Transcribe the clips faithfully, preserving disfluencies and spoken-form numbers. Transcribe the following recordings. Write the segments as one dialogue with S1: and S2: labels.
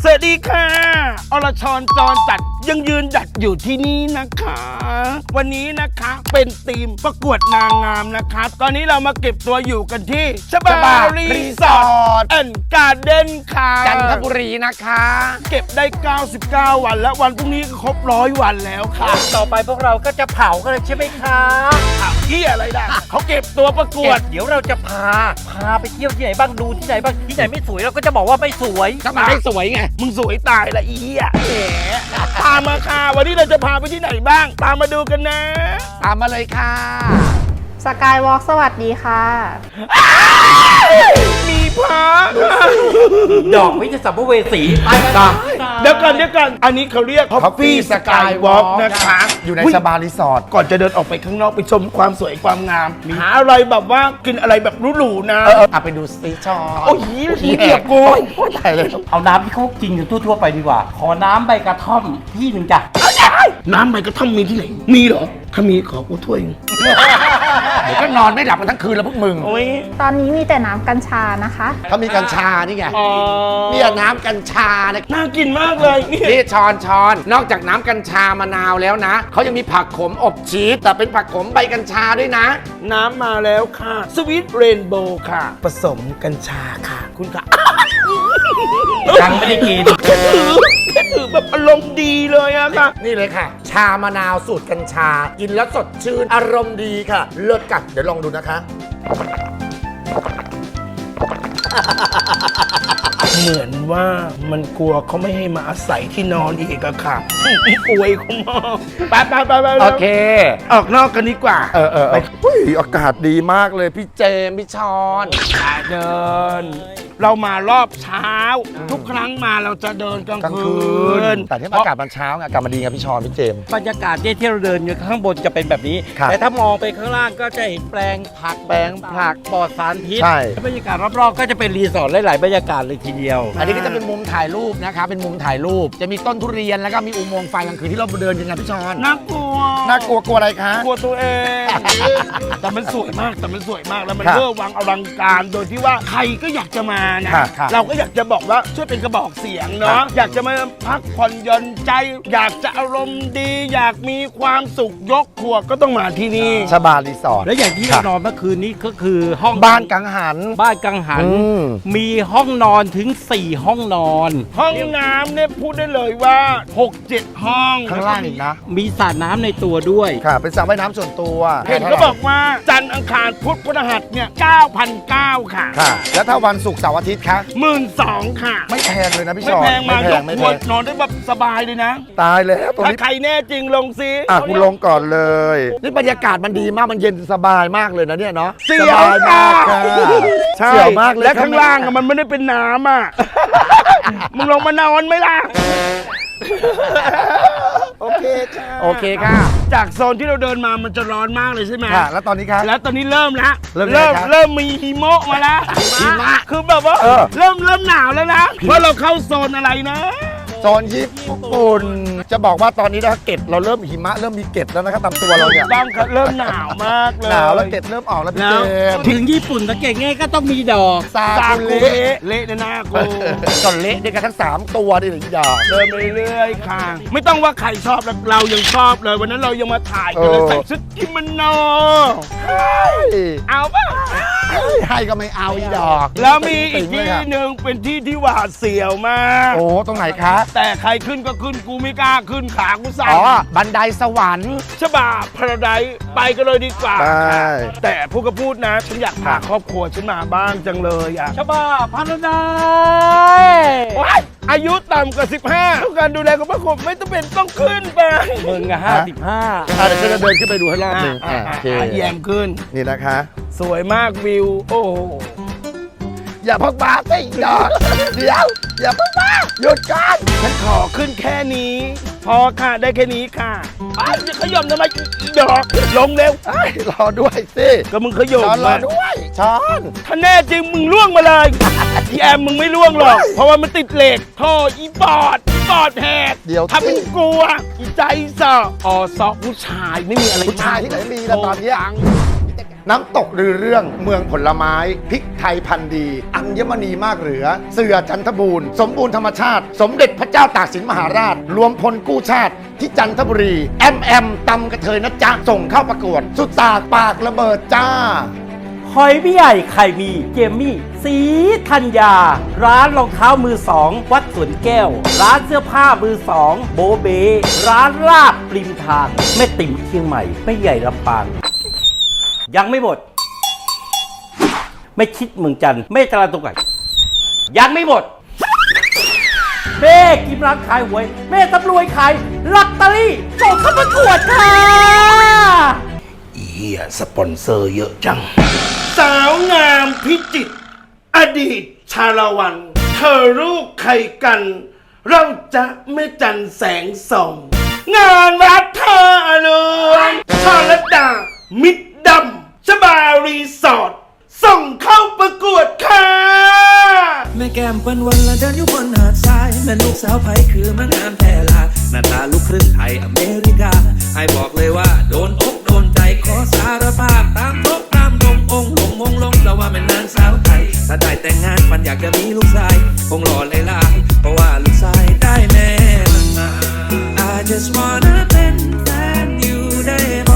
S1: สวัสดีค่ะอรชรจรจัดยังยืนหยัดอยู่ที่นี่นะคะ วันนี้นะคะเป็นทีมประกวดนางงามนะคะตอนนี้เรามาเก็บตัวอยู่กันที่ชบารีสอร์ทแอนด์การ์เด้นค่ะ
S2: จันทบุรีนะคะ
S1: เก็บได้เก้าสิบเก้าวันแล้ววันพรุ่งนี้ก็ครบร้อยวันแล้วค่ะ
S3: ต่อไปพวกเราก็จะเผากันเลยใช่ไหมคะ
S1: เผาที่อะไรนะเขาเก็บตัวประกวด
S3: เดี๋ยวเราจะพาพาไปเที่ยวที่ไหนบ้างดูที่ไหนบ้างที่ไหนไม่สวยเราก็จะบอกว่าไม่สวย
S2: ทำไมไม่สวยไง
S1: มึงสวยตายละอีอ่ะแหมตามมาค่ะวันนี้เราจะพาไปที่ไหนบ้างตามมาดูกันนะ
S2: ตามมาเลยค่ะ
S4: สกายวอล์กสวัสดีค่ะ
S1: มีพระ
S3: ดอกไม่จะสัมภเวสีไป
S1: กันเดี๋ยวก่อนเดี๋ยวก่อนอันนี้เขาเรียก Coffee Skywalk นะคะ
S2: อยู่ในสบารีสอร์ท
S1: ก่อนจะเดินออกไปข้างนอกไปชมความสวยความงามหาอะไรแบบว่ากินอะไรแบบหรูๆนะ
S2: เออไปดูซีชอ
S1: โอ้ยขี้เกียจกู
S2: ตายเลย
S3: เอาน้ำที่เขากินกันทั่วๆไปดีกว่าขอน้ำใบกระท่อมพี่หนึ่งจ้ะ
S1: น้ำใบกระท่อมมีที่ไหนมีเหรอถ้ามีขอกูถ้วย
S2: เดี๋ยวก็นอนไม่หลับกันทั้งคืนแล้วพวกมึง
S4: ตอนนี้มีแต่น้ำกัญชานะคะ
S2: เขามีกัญชานี่ไงนี่น้ำกัญชานะ
S1: น่ากินมากเลย
S2: นี่ช้อนช้อนนอกจากน้ำกัญชามะนาวแล้วนะเขายังมีผักขมอบชีสแต่เป็นผักขมใบกัญชาด้วยนะ
S1: น้ำมาแล้วค่ะสวีทเรนโบว์ค่ะผสมกัญชาค่ะคุณค่ะ
S3: ยังไม่ได้กิน
S1: แค่ถือแค่ถือแบบอารมณ์ดีเลยอะค่ะ
S2: นี่เลยค่ะชามะนาวสูตรกัญชากินแล้วสดชื่นอารมณ์ดีค่ะเลิศกัดเดี๋ยวลองดูนะคะ
S1: เหมือนว่ามันกลัวเขาไม่ให้มาอาศัยที่นอนอีกอะค่ะอวยเขามากไปไปไปไป
S2: โอเค
S1: ออกนอกกันดีกว่า
S2: เออเอออุ้ยอากาศดีมากเลยพี่เจมพี่ชอน
S1: เดินเรามารอบเช้าทุกครั้งมาเราจะเดินกลางคืน
S2: แต่ที่อากาศมันเช้าอากาศมันดีไงพี่ชอนพี่เจม
S3: บรรยากาศที่เราเดินอยู่ข้างบนจะเป็นแบบนี้แต่ถ้ามองไปข้างล่างก็จะเห็นแปลงผักแปลงผักปลอดสารพิษบรรยากาศรอบๆก็จะเป็นรีสอร์ทหลายๆบรรยากาศเลยทีเดียว
S2: อันนี้ก็จะเป็นมุมถ่ายรูปนะคะเป็นมุมถ่ายรูปจะมีต้นทุเรียนแล้วก็มีอุโมงค์ไฟกลางคืนที่เราเดินยังไงพี่ชอน
S1: น่ากลัว
S2: น่ากลัวกลัวอะไรคะ
S1: กลัวตัวเองแต่มันสวยมากแต่มันสวยมากแล้วมันเวอร์วังอลังการโดยที่ว่าใครก็อยากจะมานะเราก็อยากจะบอกว่าช่วยเป็นกระบอกเสียงเนาะอยากจะมาพักผ่อนหย่อนใจอยากจะอารมณ์ดีอยากมีความสุขยกครัวก็ต้องมาที่นี่
S2: ชบารีสอร์ท
S3: และอย่างที่เรานอนเมื่อคืนนี้ก็คือห้อง
S2: บ้านกังหัน
S3: บ้านกังหันมีห้องนอนถึงสี่ห้องนอน
S1: ห้องน้ำเนี่ยพูดได้เลยว่าหกเจ็ดห้อง
S2: ข้างล่างอีกนะ
S3: มีสระน้ำในตัวด้วย
S2: ค่ะเป็นสระว่ายน้ำส่วนตัว
S1: เห็นเขาบอกว่าจันทร์อังคารพุธพฤหัสเนี่ย เก้าพันเก้าร้อย ค่ะ
S2: ค่ะแล้วถ้าวันศุกร์เสาร์อาทิตย์คะ
S1: หมื่นสองค่ะ
S2: ไม่แพงเลยนะพี่ช
S1: อนไม่แพงมายกครัวนอนได้แบบสบายเลยนะ
S2: ตายแล้ว
S1: ถ้าใครแน่จริงลงซิ
S2: อ่ะคุณลงก่อนเลยนี่บรรยากาศมันดีมากมันเย็นสบายมากเลยนะเนี่ยเนาะ
S1: เสียว
S2: มากค่ะ
S1: ใช่มากเลยและข้างล่างมันไม่ได้เป็นน้ำอ่ะมึงลงมานอนไหมล่ะโอเคค่ะ
S2: โอเคค่ะ
S1: จากโซนที่เราเดินมามันจะร้อนมากเลยใช่ไหม
S2: ค่ะแล้วตอนนี้ครับ
S1: แล้วตอนนี้เริ่มแล้ว
S2: เริ่ม
S1: เริ่มมีหิมะมาแล้ว
S2: หิมะ
S1: คือแบบว่าเริ่มเริ่มหนาวแล้วนะเพราะเราเข้าโซนอะไรนะ
S2: โซนญี่ปุ่นจะบอกว่าตอนนี้นะเกล็ดเราเริ่มหิมะเริ่มมีเกล็ดแล้วนะครับตามตัวเราเนี่ย
S1: ต้องเริ่มหนาวมากเลย
S2: หนาวแล้วเกล็ดเริ่มออกแล้วพี่เจม
S3: ถึงญี่ปุ่นสังเกตง่ายก็ต้องมีดอก
S1: ซากุเละเละในหน้ากู
S2: ก่อนเละด้วยกันทั้งสามตัวดิหรือดอก
S1: เดินไปเรื่อยๆค่ะไม่ต้องว่าใครชอบเรายังชอบเลยวันนั้นเรายังมาถ่ายกันเลยใส่ชุดกิโมโนเอาป่ะ
S2: ให้ก็ไม่เอาอีดอก
S1: แล้วมีอีกที่หนึ่งเป็นที่ที่หวาดเสียวมาก
S2: โอ้ตรงไหนคะ
S1: แต่ใครขึ้นก็ขึ้นกูไม่กล้าขึ้นขากูสั่น
S2: อ๋อบันไดสวรรค์
S1: ชบาพาราไดซ์ไปกันเลยดีกว่าแต่พูดก็พูดนะฉันอยากพาครอบครัวฉันมาบ้างจังเลยอ่ะ
S3: ชบาพาราได
S1: ซ์อายุต่ำกว่าสิบห้าต้องการดูแลกับพระคมไม่ต้องเป็นต้องขึ้นไป
S3: มึงอะห้าสิบห้า
S2: เดี๋ยวฉันจะเดินขึ้นไปดูให้รอบหนึ่ง
S1: โอเคแยมขึ้น
S2: นี่นะคะ
S1: สวยมากวิวโอ้
S2: อย่าพักบ้าสิดอกเดี๋ยวอย่าพักบ้าหยุดกัน
S1: ฉันขอขึ้นแค่นี้พอค่ะได้แค่นี้ค่ะไอ้จะขย่มทำไมดอกลงเร็ว
S2: ไอ้รอด้วยสิ
S1: ก็มึงขย่ม
S2: รอด้วยช้อน
S1: ถ้าแน่จริงมึงล่วงมาเลยอีแอมมึงไม่ล่วงหรอกเพราะว่ามันติดเหล็กท่ออีปอดอีปอดแหก
S2: เดี๋ยว
S1: ถ้าเป็นกลัวอีใจสออซอผู้ชายไม่มีอะไร
S2: ผู้ชายที่ไหนมีแล้วตอนนี้
S5: น้ำตกรือเรื่องเมืองผลไม้พริกไทยพันธุ์ดี อัญมณีมากเหลือ เสือจันทบูรณ์สมบูรณ์ธรรมชาติ สมเด็จพระเจ้าตากสินมหาราช รวมพลกู้ชาติที่จันทบุรีแอมแอมตำกระเทยนะจ๊ะส่งเข้าประกวด สุดตากปากระเบิดจ้า
S3: หอยพี่ใหญ่ไข่มีเจมมี่สีธัญญา ร้านรองเท้ามือสองวัดสวนแก้ว ร้านเสื้อผ้ามือสองโบเบ ร้านลาบริมทางแม่ติ๋มเชียงใหม่แม่ใหญ่ลำปางยังไม่หมด ไม่คิดเมืองจันทร์ไม่ตลาดตกไก่ยังไม่หมดแม่กิมร้านขายหวย แม่ตำรวจขายลอตเตอรี่ส่งเข้าประกวดค่ะ
S1: เฮียสปอนเซอร์เยอะจัง สาวงามพิจิตรอดีตชาละวัน เธอลูกใครกัน เราจะไม่จันแสงส่อง งานวัดท่าเรือชลดา มิดดำชบารีสอร์ทส่งเข้าประกวดค่ะ
S6: แม่แก้มเปิ้นวันละเดินอยู่บนหาดทรายแม่ลูกสาวไผคือมางามแท้ลาหน้าตาลูกครึ่งไทยอเมริกาไอ้บอกเลยว่าโดนอกโดนใจขอสารภาพตามทบตามดงองค์หลงมงลงเราว่าเป็นนางสาวไทยถ้าได้แต่งงานปันอยากจะมีลูกชายคงหล่อเลยล่ะเพราะว่าลูกชายได้แม่มา I just wanna เป็นแฟนอยู่ได้บ่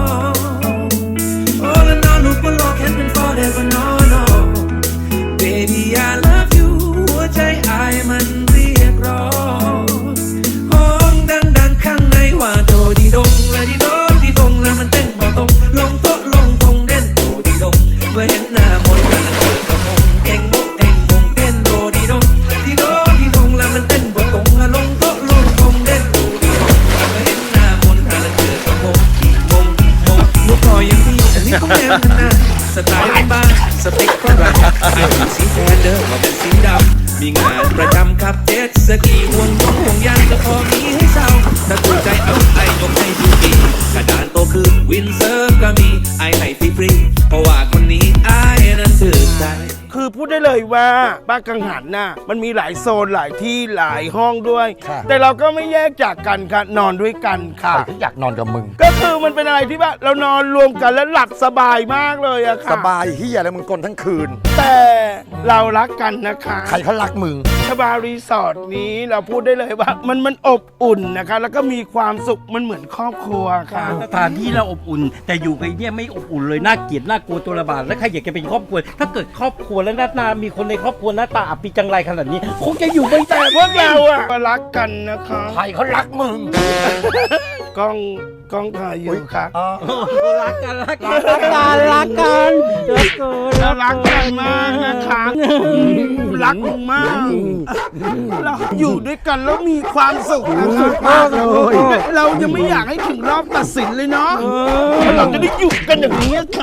S6: All in all ลูกบนโลกแค่เป็น forever no no Baby I love you หัวใจอายมันเรียกร้องห้องดังๆข้างในว่าโดดีดงและดีโดดีดงแล้วมันเต้นบ่ตรงลงโต๊ะลงทงเด่นโดดีดงเมื่อเห็นหน้ามนต์กันเจอก็มงเก่งมุกเก่งมงเต้นโดดีดงดีโดดีดงแล้วมันเต้นบ่ตรงลงโต๊ะลงทงเด่นโดดีดงเมื่อเห็นหน้ามนต์กันเจอก็มงมงมงลูกคอยยังมีอันนี้ก็แม่นนะสไตล์บ้านสเปคฝรั่งไอ้เป็นสีแทนเดิมว่าเป็นสีดำมีงานประจำขับเจ็ตสกีห่วงห่วงยางก็พอมีให้เช่าถ้าถูกใจเอาไอ้ยกให้ทุกปีกระดานโตคือวินเซิร์ฟก็มีไอ้ให้ฟรีๆเพราะว่าคนนี้ไอ้นั้นถือใจ
S1: คือพูดได้เลยว่าบ้านกังหันน่ะมันมีหลายโซนหลายที่หลายห้องด้วย
S5: ค่ะ
S1: แต่เราก็ไม่แยกจากกันค่ะนอนด้วยกันค่ะ
S5: ใครที่อยากนอนกับมึง
S1: ก็คือมันเป็นอะไรที่ว่าเรานอนรวมกันแล้วหลับสบายมากเลยอะค่ะ
S5: สบายเฮียแล้วมึงกลนทั้งคืน
S1: แต่เรารักกันนะคะ
S5: ใครเขารักมึง
S1: ชบารีสอร์ทนี้เราพูดได้เลยว่ามันมันอบอุ่นนะคะ แล้วก็มีความสุขมันเหมือนครอบครัวค่ะ
S3: สถานที่เราอบอุ่น แต่อยู่ไปเนี่ยไม่อบอุ่นเลยน่าเกลียดน่ากลัวตัวระบาดแล้วใครอยากจะเป็นครอบครัวถ้าเกิดครอบครัวแล้วหน้าตามีคนในครอบครัวหน้าตาอับปีจังไรขนาดนี้คงจะอยู่ไม่ได้
S1: แต่พวกเราอะก็รักกันนะคะ
S5: ใครเขารักมึง
S1: กล้องกล้องถ่ายอยู่ค่ะ
S3: รักกันรักกันรักกันรักกันรักกัน
S1: เรารักกันมากนะคะรักกันมากเราอยู่ด้วยกันแล้วมีความสุขมากเลยเรายังไม่อยากให้ถึงรอบตัดสินเลยเนาะเราจะได้อยู่กันอย่างนี้ค่ะ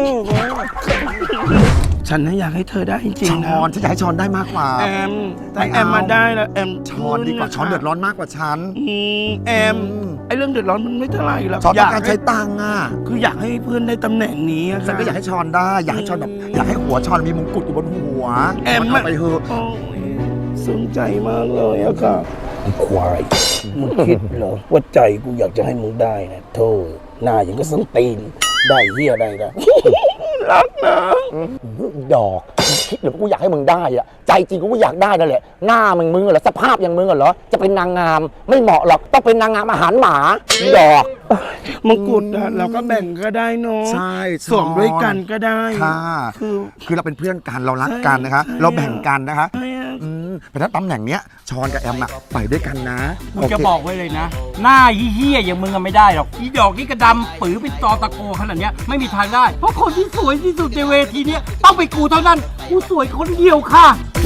S1: ฉันน่ะอยากให้เธอได้จริงๆนะ
S5: ช้อนที่จะให้ช้อนได้มากกว่า
S1: แอมแต่แอมมาได้แล้วแอม
S5: ช้อนดีกว่าช้อนเดือดร้อนมากกว่าฉัน
S1: อืมแอมไอเรื่องเดือดร้อนมันไม่เท่าไหร่หรอก
S5: ช้อน
S1: อ
S5: ต้
S1: ยา
S5: อก งการ
S1: ให้
S5: ใช้ตังค์อ่ะ
S1: คืออยากให้เพื่อนได้ตำแหน่งนี้อะ
S5: ฉันก็อยากให้ช้อนได้ อยากให้ช้อนแบบอยากให้หัวช้อนมีมงกุฎอยู่บนหัว
S1: แอม
S5: มันเอาไปเถอะ
S1: โอ้ยสนใจมากเลยอะค่ะควายมึงคิดเหรอว่าใจกูอยากจะให้มึงได้นะโธ่หน้าอย่างก็สังตีนได้เฮียได้นะรักนะ
S7: ดอกคิดหรือกูอยากให้มึงได้อะใจจริงกูก็อยากได้นั่นแหละหน้ามึงมึงเหรอสภาพอย่างมึงเหรอจะเป็นนางงามไม่เหมาะหรอกต้องเป็นนางงามอาหารหมาดอก
S1: มงกุฎอะเราก็แบ่งก็ได้เนาะ
S5: ใช่
S1: สวมด้วยกันก็ได้
S5: ค่ะ
S1: คือ
S5: คือเราเป็นเพื่อนกันเรารักกันนะคะ
S1: ใช่
S5: เราแบ่งกันนะคะ
S1: ใช่อะ
S5: อืมแต่ถ้าตำแหน่งเนี้ยช้อนกับแอมอะไปด้วยกันนะ
S3: กูจะบอกไว้เลยนะ หน้าเหี้ยๆอย่างมึงอะไม่ได้หรอกอีดอกนี่กระดำปื้อเป็นตอตะโกขนาดเนี้ยไม่มีทางได้ เพราะคนที่สวยที่สุดในเวทีเนี้ยต้องเป็นกูเท่านั้นกูสวยคนเดียวค่ะ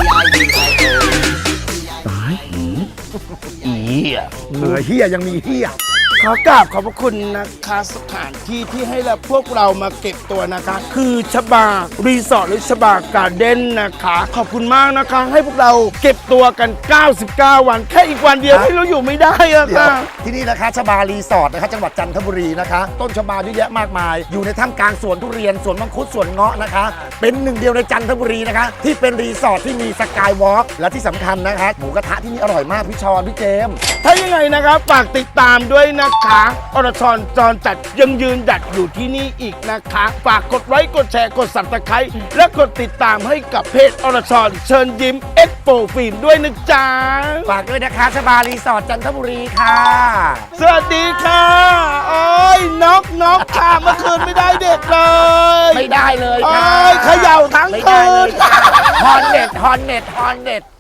S1: อีอะ
S5: เหลือเฮียยังมีเฮีย
S1: ขอกราบขอบพระคุณนะคะสถานที่ที่ให้เราพวกเรามาเก็บตัวนะคะ คือชบารีสอร์ทหรือชบาการ์เด้นนะคะ ขอบคุณมากนะคะ ให้พวกเราเก็บตัวกัน เก้าสิบเก้า วัน แค่อีกวันเดียวที่เราอยู่ไม่ได้อะ
S5: เดี๋ยว
S1: ค่ะ
S5: ที่นี่นะคะชบารีสอร์ทนะคะจังหวัดจันทบุรีนะคะ ต้นชบาเยอะแยะมากมาย อยู่ในท่ามกลางสวนทุเรียนสวนมังคุดสวนเงาะนะคะ เป็นหนึ่งเดียวในจันทบุรีนะคะ ที่เป็นรีสอร์ทที่มีสกายวอล์กและที่สำคัญนะคะหมูกระทะที่นี่อร่อยมากพี่ชอนพี่เจมส์
S1: ถ้ายังไงนะครับฝากติดตามด้วยนะนะคะอรชรจรจัดยังยืนหยัดอยู่ที่นี่อีกนะคะ ฝากกดไลค์กดแชร์กดสับตะไคร้และกดติดตามให้กับเพจอรชรเชิญยิ้มเอ็กโปฟิล์มด้วยนะจ๊ะ
S2: ฝากด้วยนะคะชบารีสอร์ทจันทบุรีค่ะ
S1: สวัสดีค่ะโอ้ยนกนกค่ะเมื่อคืนไม่ได้เด็กเลย
S2: ไม่ได้เลย
S1: โอ้
S2: ค่ะ
S1: ยเขย่าทั้ง
S2: ไม่
S1: คื
S2: ได้เล
S1: น
S2: ยค่ะฮอนเน็ตฮอนเน็ตฮอนเน็ต